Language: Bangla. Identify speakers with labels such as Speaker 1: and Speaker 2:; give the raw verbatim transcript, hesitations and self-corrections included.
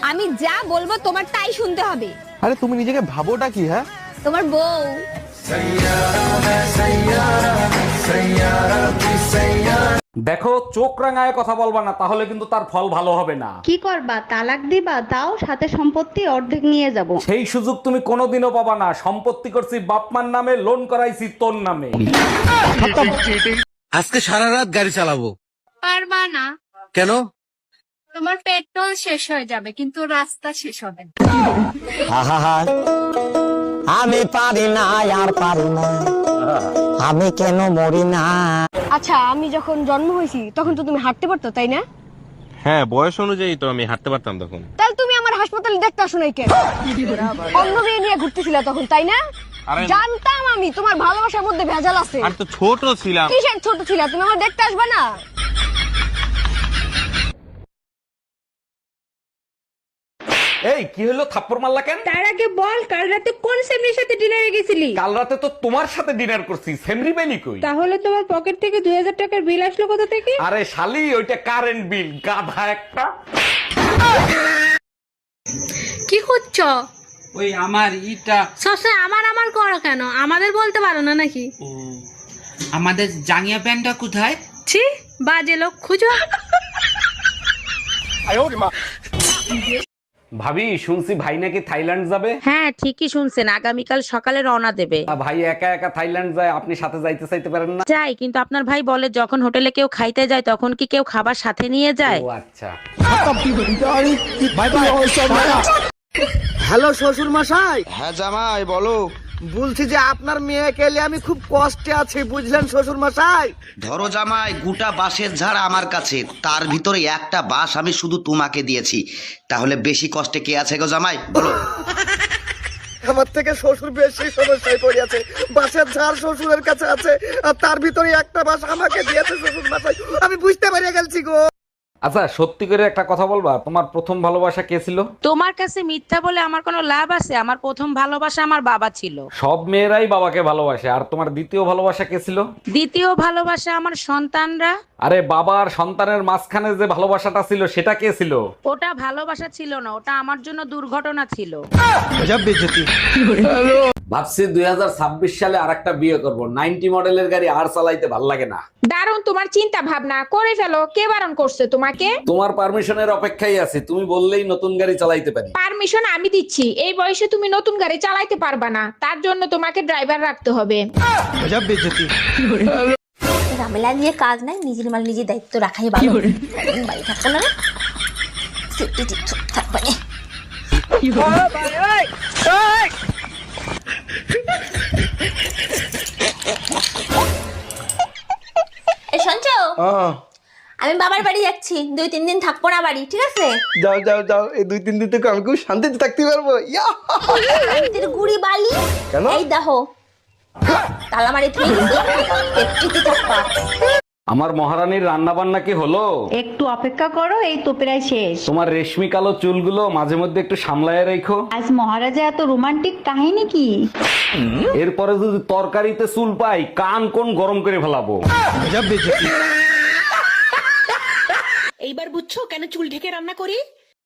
Speaker 1: আমি যা বলবো তোমার তাই শুনতে হবে।
Speaker 2: আরে তুমি নিজেকে ভাবোটা কি? হ্যাঁ,
Speaker 1: তোমার বউ।
Speaker 3: দেখো, চোখ রাঙায় কথা বলবা না, তাহলে কিন্তু তার ফল ভালো হবে না।
Speaker 4: কি করবা, তালাক দিবা? তাও সাথে সম্পত্তি অর্ধেক নিয়ে যাব।
Speaker 3: সেই সুযোগ তুমি কোনোদিনও পাবা না। সম্পত্তি করছি বাপমার নামে, লোন করাইছি তোর নামে।
Speaker 5: আজকে সারা রাত গাড়ি চালাবো।
Speaker 6: পারবা না।
Speaker 5: কেন?
Speaker 6: তোমার পেট্রোল শেষ হয়ে যাবে কিন্তু রাস্তা শেষ হবে না।
Speaker 7: আমি পারি না, আর পারি না, আমি কেন মরি না।
Speaker 1: আচ্ছা, আমি যখন জন্ম হয়েছি তখন তো তুমি হাঁটতে পারতো, তাই না?
Speaker 2: হ্যাঁ, বয়স অনুযায়ী তো আমি হাঁটতে পারতাম তখন।
Speaker 1: তাহলে তুমি আমার হাসপাতালে দেখতে আসো নাই কেন? অন্য মেয়ে নিয়ে ঘুরতেছিলা তখন, তাই না? জানতাম আমি তোমার ভালোবাসার মধ্যে ভেজাল আছে।
Speaker 2: আর তো ছোট ছিলাম।
Speaker 1: কিসের ছোট ছিলা? তুমি আমার দেখতে আসবে না?
Speaker 3: এই কি হলো, থাপ্পড় মারলা কেন?
Speaker 1: তার আগে বল, কাল রাতে কোন সেমরির সাথে ডিনারে গেছিলি?
Speaker 3: কাল রাতে তো তোমার সাথে ডিনার করছি, সেমরি বেলি কই?
Speaker 1: তাহলে তোমার পকেট থেকে দুই হাজার টাকার বিল আসলো কোথা থেকে?
Speaker 3: আরে শালি, ওইটা কারেন্ট বিল, গাধা একটা।
Speaker 6: কি করছো?
Speaker 5: ওই আমার ইটা
Speaker 6: সবসময় আমার আমার করো কেন? আমাদের বলতে পারো না নাকি?
Speaker 5: আমাদের জাঙ্গিয়া প্যান্টটা কোথায়?
Speaker 6: ছি, বাজে লোক খুঁজো।
Speaker 3: ভাবি, শুনছি ভাই নাকি থাইল্যান্ড যাবে।
Speaker 8: হ্যাঁ, ঠিকই শুনছেন, আগামীকাল সকালে রওনা দেবে।
Speaker 3: আ, ভাই একা একা থাইল্যান্ড যায়, আপনি সাথে যাইতে চাইতে পারেন না?
Speaker 8: যাই, কিন্তু আপনার ভাই বলে যখন হোটেলে কেউ খাইতে যায় তখন কি কেউ খাবার সাথে নিয়ে যায়?
Speaker 3: ও আচ্ছা।
Speaker 5: হ্যালো শ্বশুর মশাই।
Speaker 7: হ্যাঁ জামাই, বলো।
Speaker 5: বলছি যে আপনার মেয়েকে নিয়ে আমি খুব কষ্টে আছি, বুঝলেন শ্বশুর মশাই?
Speaker 9: ধরো জামাই, গোটা বাঁশের ঝাড় আমার কাছে, তার ভিতরে একটা বাঁশ আমি শুধু তোমাকে দিয়েছি, তাহলে বেশি কষ্টে কে আছে গো জামাই, বলো?
Speaker 5: আমার থেকে শ্বশুর বেশি সমস্যায় পড়ে আছে। বাঁশের ঝাড় শ্বশুরের কাছে আছে, আর তার ভিতরে একটা বাঁশ আমাকে দিয়েছে শ্বশুর মশাই। আমি বুঝতে পেরে গেছি গো।
Speaker 3: আচ্ছা, সত্যি করে একটা কথা বলবা, তোমার প্রথম ভালোবাসা কে ছিল?
Speaker 8: তোমার কাছে মিথ্যা বলে আমার কোনো লাভ আছে? আমার প্রথম ভালোবাসা আমার বাবা ছিল।
Speaker 3: সব মেয়েরাই বাবাকে ভালোবাসে। আর তোমার দ্বিতীয় ভালোবাসা কে ছিল?
Speaker 8: দ্বিতীয় ভালোবাসা আমার সন্তানরা।
Speaker 3: আরে বাবা আর সন্তানের মাঝখানে যে ভালোবাসাটা ছিল সেটা কে ছিল?
Speaker 8: ওটা ভালোবাসা ছিল না, ওটা আমার জন্য দুর্ঘটনা ছিল।
Speaker 3: ভাবছি দুই হাজার ছাব্বিশ সালে আর একটা বিয়ে করবো। নাইনটি মডেলের গাড়ি আর চালাইতে ভাল লাগে না।
Speaker 1: দারুণ তোমার চিন্তা ভাবনা, করে ফেলো। কে বারণ করছে তোমাকে?
Speaker 3: তোমার পারমিশনের অপেক্ষায় আছি, তুমি বললেই নতুন গাড়ি চালাইতে পারি।
Speaker 1: পারমিশন আমি দিচ্ছি। এই বয়সে তুমি নতুন গাড়ি চালাইতে পারবা না, তার জন্য তোমাকে ড্রাইভার রাখতে হবে।
Speaker 10: ঝামেলা নিয়ে কাজ নাই, নিজের মাল নিজের দায়িত্ব রাখাই ভালো। বাড়ি থাকবো না, সেফটি টিপস থাকবে না। এই শুনছো, আমি বাবার বাড়ি যাচ্ছি, দুই তিন দিন থাকবো না বাড়ি, ঠিক আছে?
Speaker 5: যাও যাও যাও, এই দুই তিন দিন থেকে আমি খুব শান্তিতে থাকতে পারবো। ইয়া!
Speaker 10: শান্তির গুড়ি বালি।
Speaker 5: কেন?
Speaker 10: এই দেখো, তালা মারি তুই সেফটিতে থাকবা।
Speaker 3: আমার মহারানীর রান্না বান্না কি হলো?
Speaker 4: একটু অপেক্ষা করো, এই তো প্রায় শেষ।
Speaker 3: তোমার রেশমি কালো চুলগুলো মাঝে মধ্যে একটু সামলায় রেখো।
Speaker 4: আজ মহারাজা এত রোমান্টিক কাহিনী কি?
Speaker 3: এরপরে যদি তরকারিতে চুল পাই, কান কোন গরম করে ফেলাবো।
Speaker 8: এইবার বুঝছো কেন চুল ঢেকে রান্না করি?